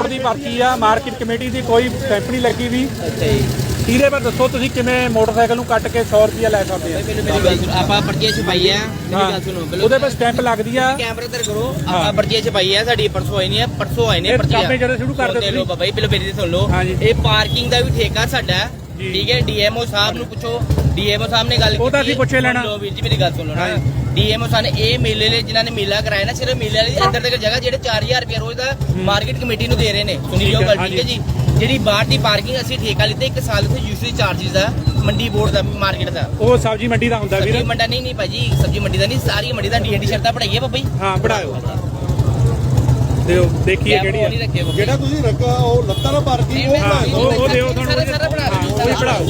ਦੀ ਪਰਚੀ ਆ, market committee ਦੀ ਕੋਈ ਸਟੈਂਪ ਨਹੀਂ ਲੱਗੀ ਵੀ। ਅੱਛਾ ਜੀ। ਇਹਦੇ ਪਰ ਦੱਸੋ ਤੁਸੀਂ ਕਿਵੇਂ ਮੋਟਰਸਾਈਕਲ ਨੂੰ ਕੱਟ ਕੇ 100 ਰੁਪਿਆ ਲੈ ਸਕਦੇ ਆ? ਮੇਰੀ ਗੱਲ ਸੁਣੋ, ਆਪਾਂ ਪਰਚੀਆਂ ਛਪਾਈ ਆ, ਮੇਰੀ ਗੱਲ ਸੁਣੋ ਉਹਦੇ ਪਰ ਸਟੈਂਪ ਲੱਗਦੀ ਆ। ਕੈਮਰੇ ਤੇ ਕਰੋ, ਆਪਾਂ ਪਰਚੀਆਂ ਛਪਾਈ ਆ, ਸਾਡੀ ਪਰਸੋਂ ਆਈ ਨਹੀਂ ਆ, ਪਰਸੋਂ ਆਏ ਨੇ ਪਰਚੀਆਂ। ਕਾਪੇ ਜਦੋਂ ਸ਼ੁਰੂ ਕਰ ਦੇ ਲੋ ਬਾਬਾ ਜੀ, ਪਹਿਲਾਂ ਮੇਰੀ ਸੁਣ ਲਓ। ਇਹ ਪਾਰਕਿੰਗ ਦਾ ਵੀ ਠੇਕਾ ਸਾਡਾ, ਠੀਕ ਹੈ। ਡੀਐਮਓ ਸਾਹਿਬ ਨੂੰ ਪੁੱਛੋ, ਡੀਐਮਓ ਸਾਹਿਬ ਨੇ ਗੱਲ ਕੀਤੀ। ਉਹ ਤਾਂ ਅਸੀਂ ਪੁੱਛੇ ਲੈਣਾ। ਲੋ ਵੀਰ ਜੀ ਮੇਰੀ ਗੱਲ ਸੁਣੋ ਨਾ, ਡੀਐਮਓ ਸਾਹਿਬ ਨੇ ਇਹ ਮੇਲੇ ਲਈ ਜਿਨ੍ਹਾਂ ਨੇ ਮੇਲਾ ਕਰਾਇਆ ਨਾ, ਸਿਰਫ ਮੇਲੇ ਵਾਲੀ ਅੰਦਰ ਤੱਕ ਜਗ੍ਹਾ ਜਿਹੜੇ 4000 ਰੁਪਏ ਰੋਜ਼ ਦਾ ਮਾਰਕੀਟ ਕਮੇਟੀ ਨੂੰ ਦੇ ਰਹੇ ਨੇ। ਸੁਣੀ ਜਾਓ ਗੱਲ, ਠੀਕ ਹੈ ਜੀ। ਜਿਹੜੀ ਬਾਹਰ ਦੀ ਪਾਰਕਿੰਗ ਅਸੀਂ ਠੇਕਾ ਲਿੱਤੇ 1 ਸਾਲ ਤੇ ਯੂਸਰੀ ਚਾਰजेस ਦਾ, ਮੰਡੀ ਬੋਰਡ ਦਾ, ਮਾਰਕੀਟ ਦਾ। ਉਹ ਸਬਜ਼ੀ ਮੰਡੀ ਦਾ ਹੁੰਦਾ ਵੀਰ। ਸਬਜ਼ੀ ਮੰਡਾ ਨਹੀਂ ਭਾਜੀ, ਸਬਜ਼ੀ ਮੰਡੀ ਦਾ ਨਹੀਂ, ਸਾਰੀ ਮੰਡੀ ਦਾ ਡੀਐਨਡੀ ਸ਼ਰਤਾਂ ਪੜਾਈਏ ਬਾਬਾ ਜੀ। ਹਾਂ ਪੜਾਇਓ, ਦਿਓ ਦੇਖੀਏ ਕਿਹੜੀ ਆ। ਜਿਹੜਾ ਤੁਸੀਂ ਰੱਖਾ ਉਹ ਲੱਤਾਂ ਨਾਲ ਪਾਰਕਿੰਗ ਉਹ ਦਿਓ ਤੁਹਾਨੂੰ, ਸਾਰਾ ਉਹ ਪੜਾਓ।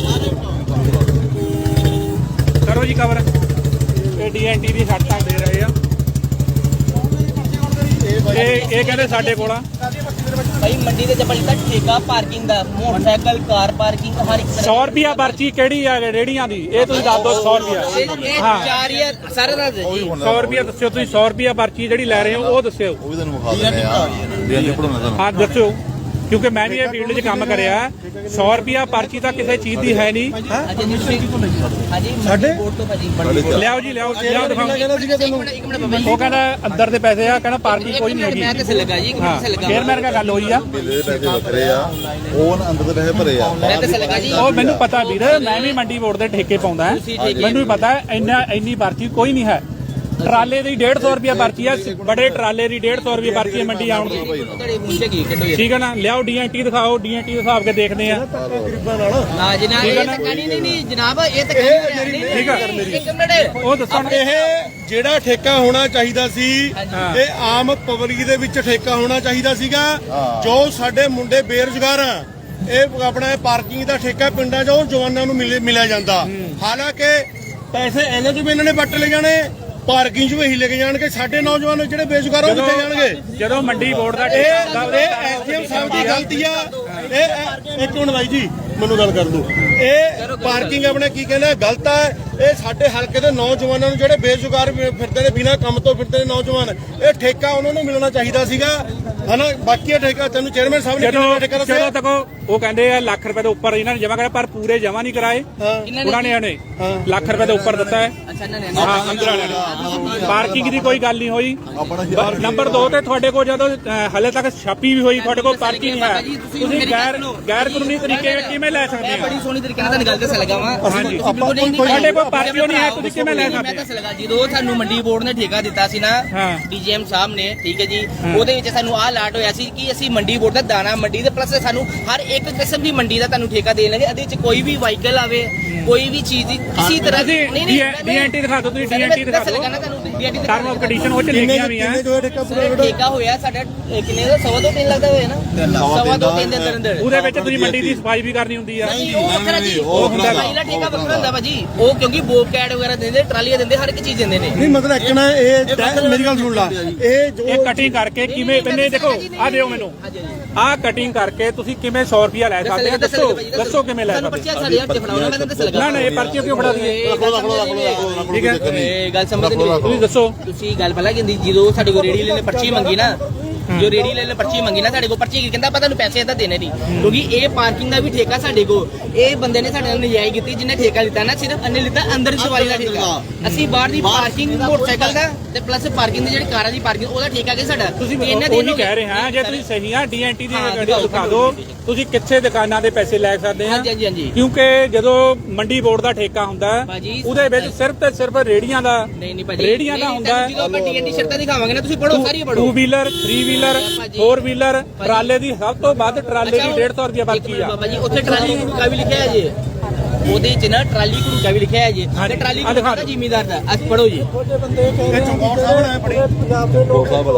ਕਰੋ ਜੀ ਕਵਰ। ਇਹ ਡੀਐਨਟੀ ਦੀ ਸ਼ਰਤਾਂ ਦੇ ਰਹੇ ਆ। ਇਹ ਕਹਿੰਦੇ ਸਾਡੇ ਕੋਲ ਆ ਭਾਈ ਮੰਡੀ ਦੇ ਚੱਪਲ ਦਾ ਠੇਕਾ ਪਾਰਕਿੰਗ ਦਾ, ਮੋਟਰਸਾਈਕਲ ਕਾਰ ਪਾਰਕਿੰਗ ਹਰ ਇੱਕ 100 ਰੁਪਿਆ ਪਰਚੀ ਕਿਹੜੀ ਆ ਰੇੜੀਆਂ ਦੀ? ਇਹ ਤੁਸੀਂ ਦੱਸ ਦਿਓ 100 ਰੁਪਿਆ। ਹਾਂ 4000 ਸਾਰਾ ਦੱਸ ਦਿਓ ਜੀ। 100 ਰੁਪਿਆ ਦੱਸਿਓ ਤੁਸੀਂ, 100 ਰੁਪਿਆ ਪਰਚੀ ਜਿਹੜੀ ਲੈ ਰਹੇ ਹੋ ਉਹ ਦੱਸਿਓ। ਉਹ ਵੀ ਤੁਹਾਨੂੰ ਵਿਖਾ ਦਿੰਦੇ ਆ, ਡੀਐਨਡੀ ਪੜਾਉਣਾ ਤੁਹਾਨੂੰ। ਹਾਂ ਦੱਸਿਓ, ਕਿਉਂਕਿ ਮੈਂ ਵੀ ਇਹ ਫੀਲਡ 'ਚ ਕੰਮ ਕਰਿਆ। 100 ਰੁਪਿਆ ਪਰਚੀ ਤਾਂ ਕਿਸੇ ਚੀਜ਼ ਦੀ ਹੈ ਨਹੀਂ। ਹਾਂਜੀ ਸਾਡੇ ਬੋਰਡ ਤੋਂ ਭਾਜੀ ਲਿਆਓ ਜੀ, ਲਿਆਓ ਦਿਖਾਓ। ਇੱਕ ਮਿੰਟ ਬਾਬਾ ਜੀ, ਉਹ ਕਹਿੰਦਾ ਅੰਦਰ ਦੇ ਪੈਸੇ ਆ, ਕਹਿੰਦਾ ਪਾਰਕਿੰਗ ਕੋਈ ਨਹੀਂ ਹੈਗੀ। ਮੈਂ ਕਿਸੇ ਲੱਗਾ ਜੀ, ਇੱਕ ਮਿੰਟ ਲੱਗਾ। ਚੇਅਰਮੈਨ ਨਾਲ ਗੱਲ ਹੋਈ ਆ, ਮੇਲੇ ਦੇ ਪੈਸੇ ਵੱਖਰੇ ਆ, ਉਹ ਨਾ ਅੰਦਰ ਦੇ ਪੈਸੇ ਭਰੇ ਆ। ਮੈਂ ਕਿਸੇ ਲੱਗਾ ਜੀ। ਉਹ ਮੈਨੂੰ ਪਤਾ ਵੀਰ, ਮੈਂ ਵੀ ਮੰਡੀ ਬੋਰਡ ਦੇ ਠੇਕੇ ਪਾਉਂਦਾ, ਮੈਨੂੰ ਵੀ ਪਤਾ ਇੰਨੀ ਪਰਚੀ ਕੋਈ ਨਹੀਂ ਹੈ। ਟਰਾਲੇ ਦੀ 150 ਰੁਪਿਆ ਪਰਚੀ ਆ, ਬੜੇ ਟਰਾਲੇ ਦੀ 150 ਰੁਪਏ ਪਰਚੀ ਮੰਡੀ ਆਉਣ ਦੀ। ਤੁਹਾਡੇ ਮੁੰਡੇ ਕੀ ਕੱਢੋ ਠੀਕ ਹੈ ਨਾ, ਲਿਆਓ ਡੀਐਨਟੀ ਦਿਖਾਓ, ਡੀਐਨਟੀ ਦਿਖਾ ਕੇ ਦੇਖਦੇ ਆ। ਨਾ ਜਨਾਬ, ਇਹ ਤਾਂ ਨਹੀਂ ਜਨਾਬ, ਇਹ ਤਾਂ ਠੀਕ ਆ, ਇੱਕ ਮਿੰਟ ਉਹ ਦੱਸਣ। ਇਹ ਜਿਹੜਾ ਠੇਕਾ ਹੋਣਾ ਚਾਹੀਦਾ ਸੀ, ਇਹ ਆਮ ਪਬਲਿਕ ਦੇ ਵਿੱਚ ਠੇਕਾ ਹੋਣਾ ਚਾਹੀਦਾ ਸੀਗਾ। ਜੋ ਸਾਡੇ ਮੁੰਡੇ ਬੇਰੁਜ਼ਗਾਰ ਆ, ਇਹ ਆਪਣਾ ਪਾਰਕਿੰਗ ਦਾ ਠੇਕਾ ਪਿੰਡਾਂ 'ਚ ਉਹ ਜਵਾਨਾਂ ਨੂੰ ਮਿਲਿਆ ਜਾਂਦਾ। ਹਾਲਾਂਕਿ ਪੈਸੇ ਇਹਨਾਂ 'ਚ ਵੀ ਇਹਨਾਂ ਨੇ ਵੱਟ ਲੈ ਜਾਣੇ, ਪਾਰਕਿੰਗ 'ਚ ਵੀ ਇਹੀ ਲੈ ਕੇ ਜਾਣਗੇ। ਸਾਡੇ ਨੌਜਵਾਨ ਜਿਹੜੇ ਬੇਰੁਜ਼ਗਾਰ ਉਹ ਕਿੱਥੇ ਜਾਣਗੇ? ਜਦੋਂ ਮੰਡੀ ਬੋਰਡ ਦਾ ਇਹ ਐਸਡੀਐਮ ਸਾਹਿਬ ਦੀ ਗਲਤੀ ਆ। ਇਹ ਇੱਕ ਮਿੰਟ ਬਾਈ ਜੀ, ਮੈਨੂੰ ਗੱਲ ਕਰ ਦੋ। ਇਹ ਪਾਰਕਿੰਗ ਆਪਣੇ ਕੀ ਕਹਿੰਦੇ ਗਲਤ ਆ। ਇਹ ਸਾਡੇ ਹਲਕੇ ਦੇ ਨੌਜਵਾਨਾਂ ਨੂੰ ਜਿਹੜੇ ਬੇਰੁਜ਼ਗਾਰ ਫਿਰਦੇ ਨੇ, ਬਿਨਾਂ ਕੰਮ ਤੋਂ ਫਿਰਦੇ ਨੇ ਨੌਜਵਾਨ, ਇਹ ਠੇਕਾ ਉਹਨਾਂ ਨੂੰ ਮਿਲਣਾ ਚਾਹੀਦਾ ਸੀਗਾ, ਹਨਾ। ਬਾਕੀ ਇਹ ਠੇਕਾ ਤੈਨੂੰ ਚੇਅਰਮੈਨ ਸਾਹਿਬ ਨੇ ਕਿੰਨਾ ਠੇਕਾ ਦੱਸਿਆ? ਜਦੋਂ ਤੱਕ ਉਹ ਕਹਿੰਦੇ ਆ ਲੱਖ ਰੁਪਏ ਤੋਂ ਉੱਪਰ ਇਹਨਾਂ ਨੇ ਜਮਾ ਕਰਿਆ, ਪਰ ਪੂਰੇ ਜਮਾ ਨਹੀਂ ਕਰਾਏ। ਉਹਨਾਂ ਨੇ ਲੱਖ ਰੁਪਏ ਤੋਂ ਉੱਪਰ ਦਿੱਤਾ ਹੈ। ਹਾਂ ਅੰਦਰ ਵਾਲਿਆਂ ਨੇ। ਪਾਰਕਿੰਗ ਦੀ ਕੋਈ ਗੱਲ ਨਹੀਂ ਹੋਈ। ਨੰਬਰ 2 ਤੇ ਤੁਹਾਡੇ ਕੋਲ ਜਦੋਂ ਹਲੇ ਤੱਕ ਛਾਪੀ ਵੀ ਹੋਈ, ਤੁਹਾਡੇ ਕੋਲ ਪਰਚੀ ਨਹੀਂ ਹੈ। ਤੁਸੀਂ ਗੈਰ ਕਾਨੂੰਨੀ ਤਰੀਕੇ ਨਾਲ ਕਿਵੇਂ ਲੈ ਸਕਦੇ ਹੋ? ਬੜੀ ਸੋਹਣੀ ਤਰੀਕੇ ਨਾਲ ਤੁਹਾਨੂੰ ਗੱਲ ਦੱਸ ਲਗਾ ਵਾ। ਹਾਂਜੀ, ਤੁਹਾਡੇ ਕੋਲ ਪਰਚੀ ਨਹੀਂ ਹੈ, ਤੁਸੀਂ ਕਿਵੇਂ ਲੈ ਸਕਦੇ? ਮੈਂ ਦੱਸ ਲਗਾ, ਜਦੋਂ ਸਾਨੂੰ ਮੰਡੀ ਬੋਰਡ ਨੇ ਠੇਕਾ ਦਿੱਤਾ ਸੀ ਨਾ, ਡੀਜੀਐਮ ਸਾਹਿਬ ਨੇ, ਠੀਕ ਹੈ ਜੀ, ਉਹਦੇ ਵਿੱਚ ਸਾਨੂੰ ਆਹ ਲਾਟ ਹੋਇਆ ਸੀ ਕਿ ਅਸੀਂ ਮੰਡੀ ਬੋਰਡ ਦਾ ਦਾਣਾ ਮੰਡੀ ਦੇ ਪਲੱਸ ਸਾਨੂੰ ਹਰ ਇੱਕ ਕਿਸਮ ਦੀ ਮੰਡੀ ਦਾ ਤੁਹਾਨੂੰ ਠੇਕਾ ਦੇਣ ਲੱਗੇ। ਇਹਦੇ ਵਿੱਚ ਕੋਈ ਵੀ ਵਾਹੀਕਲ ਆਵੇ, ਕੋਈ ਵੀ ਚੀਜ਼ ਦੀ ਕਿਸੇ ਤਰ੍ਹਾਂ ਦੀ ਡੀਐਨਟੀ ਦਿਖਾ ਦਿਓ, ਤੁਸੀਂ ਡੀਐਨਟੀ ਦਿਖਾ ਦਿਓ। ਟਰਮ ਆਫ ਕੰਡੀਸ਼ਨ ਉਹ ਚ ਲਿਖੀਆਂ ਵੀ ਆ। ਠੇਕਾ ਹੋਇਆ ਸਾਡਾ ਕਿੰਨੇ ਦਾ? 2.5 ਲੱਖ ਦਾ ਹੋਇਆ ਨਾ, 2.5 ਦੇ ਅੰਦਰ। ਉਹਦੇ ਵਿੱਚ ਤੁਸੀਂ ਮੰਡੀ ਦੀ ਸਫਾਈ ਵੀ ਕਰਨੀ ਹੁੰਦੀ ਆ। ਉਹ ਵੱਖਰਾ ਜੀ, ਉਹ ਹੁੰਦਾ ਪਹਿਲਾ ਠੇਕਾ ਵੱਖਰਾ ਹੁੰਦਾ ਭਾਜੀ। ਉਹ ਕਿਉਂਕਿ ਬੋਬ ਕੈਟ ਵਗੈਰਾ ਦਿੰਦੇ, ਟਰਾਲੀਆਂ ਦਿੰਦੇ, ਹਰ ਇੱਕ ਚੀਜ਼ ਦਿੰਦੇ ਨੇ। ਨਹੀਂ ਮਤਲਬ ਇੱਕ ਨਾ ਇਹ ਮੇਰੀ ਗੱਲ ਸੁਣ ਲਾ। ਇਹ ਕਟਿੰਗ ਕਰਕੇ ਕਿਵੇਂ ਬੰਨੇ ਦੇਖੋ, ਆ ਦਿਓ ਮੈਨੂੰ, ਆਹ ਕਟਿੰਗ ਕਰਕੇ ਤੁਸੀਂ ਕਿਵੇਂ 100 ਰੁਪਿਆ ਲੈ ਸਕਦੇ ਹੋ? ਦੱਸੋ ਕਿਵੇਂ ਲੈ ਸਕਦੇ ਹੋ? ਨਾ ਇਹ ਪਰਚੀ ਕਿਉਂ ਫੜਾ ਦਈਏ? ਠੀਕ ਹੈ, ਇਹ ਗੱਲ ਸਮਝਦੇ ਨਹੀਂ ਤੁਸੀਂ ਦੱਸੋ। ਤੁਸੀਂ ਗੱਲ ਪਹਿਲਾਂ ਕਹਿੰਦੀ ਜਦੋਂ ਸਾਡੇ ਕੋਲ ਰੇੜੀ ਲੈਣੇ ਪਰਚੀ ਮੰਗੀ ਨਾ, ਜੋ ਰੇੜੀ ਲੈ ਪਰਚੀ ਮੰਗੀ ਨਾ ਸਾਡੇ ਕੋਲ, ਪਰਚੀ ਕਹਿੰਦਾ ਪਤਾ ਨੂੰ ਪੈਸੇ ਇਹਦਾ ਦੇਣੇ ਨਹੀਂ, ਕਿਉਂਕਿ ਇਹ ਪਾਰਕਿੰਗ ਦਾ ਵੀ ਠੇਕਾ ਸਾਡੇ ਕੋਲ। ਇਹ ਬੰਦੇ ਨੇ ਸਾਡੇ ਨਾਲ ਨਜਾਇਜ਼ ਕੀਤੀ, ਜਿਹਨੇ ਠੇਕਾ ਲਿੱਤਾ ਨਾ, ਸਿਰਫ ਅੰਨੇ ਲਿੱਤਾ ਅੰਦਰ ਦੀ ਸਵਾਰੀ ਦਾ ਠੇਕਾ। ਅਸੀਂ ਬਾਹਰ ਦੀ ਪਾਰਕਿੰਗ ਮੋਟਰਸਾਈਕਲ ਦਾ ਤੇ ਪਲੱਸ ਪਾਰਕਿੰਗ ਦੀ ਜਿਹੜੀ ਕਾਰਾਂ ਦੀ ਪਾਰਕਿੰਗ, ਉਹਦਾ ਠੇਕਾ ਕਿ ਸਾਡਾ। ਤੁਸੀਂ ਉਹੀ ਕਹਿ ਰਹੇ ਹਾਂ, ਜੇ ਤੁਸੀਂ ਸਹੀ ਆ ਡੀਐਨਟੀ ਦੀ ਦਿਖਾ ਦਿਓ, ਤੁਸੀਂ ਕਿੱਥੇ ਦੁਕਾਨਾਂ ਦੇ ਪੈਸੇ ਲੈ ਸਕਦੇ ਆ। ਕਿਉਂਕਿ ਜਦੋਂ ਮੰਡੀ ਬੋਰਡ ਦਾ ਠੇਕਾ ਹੁੰਦਾ ਉਹਦੇ ਵਿੱਚ ਸਿਰਫ ਤੇ ਸਿਰਫ ਰੇੜੀਆਂ ਦਾ ਰੇੜੀਆਂ ਦਾ ਹੁੰਦਾ। ਆਪਾਂ ਡੀਐਨਟੀ ਸ਼ਰਤਾਂ ਦਿਖਾਵਾਂਗੇ ਨਾ, ਤੁਸੀਂ ਪੜੋ, ਸਾਰੀ ਪੜੋ। 2 ਵੀਲਰ 3 ਵੀਲਰ 4 ਵੀਲਰ ਟਰਾਲੇ ਦੀ ਸਭ ਤੋਂ ਵੱਧ ਟਰਾਲੇ ਦੀ 150 ਰੁਪਏ ਪਰਚੀ ਆ। ਬਾਬਾ ਜੀ ਉੱਥੇ ਟਰਾਲੀ ਘੜੂਕਾ ਵੀ ਲਿਖਿਆ ਹੈ ਜੀ, ਉਹਦੇ ਚ ਨਾ ਟਰਾਲੀ ਘੜੂਕਾ ਵੀ ਲਿਖਿਆ ਹੈ ਜੀ, ਤੇ ਟਰਾਲੀ ਘੜੂਕਾ ਜ਼ਿਮੀਦਾਰ ਦਾ। ਅੱਜ ਪੜੋ ਜੀ। ਇਹ ਚਮਕੌਰ ਸਾਹਿਬ ਨੇ ਪੜੀ।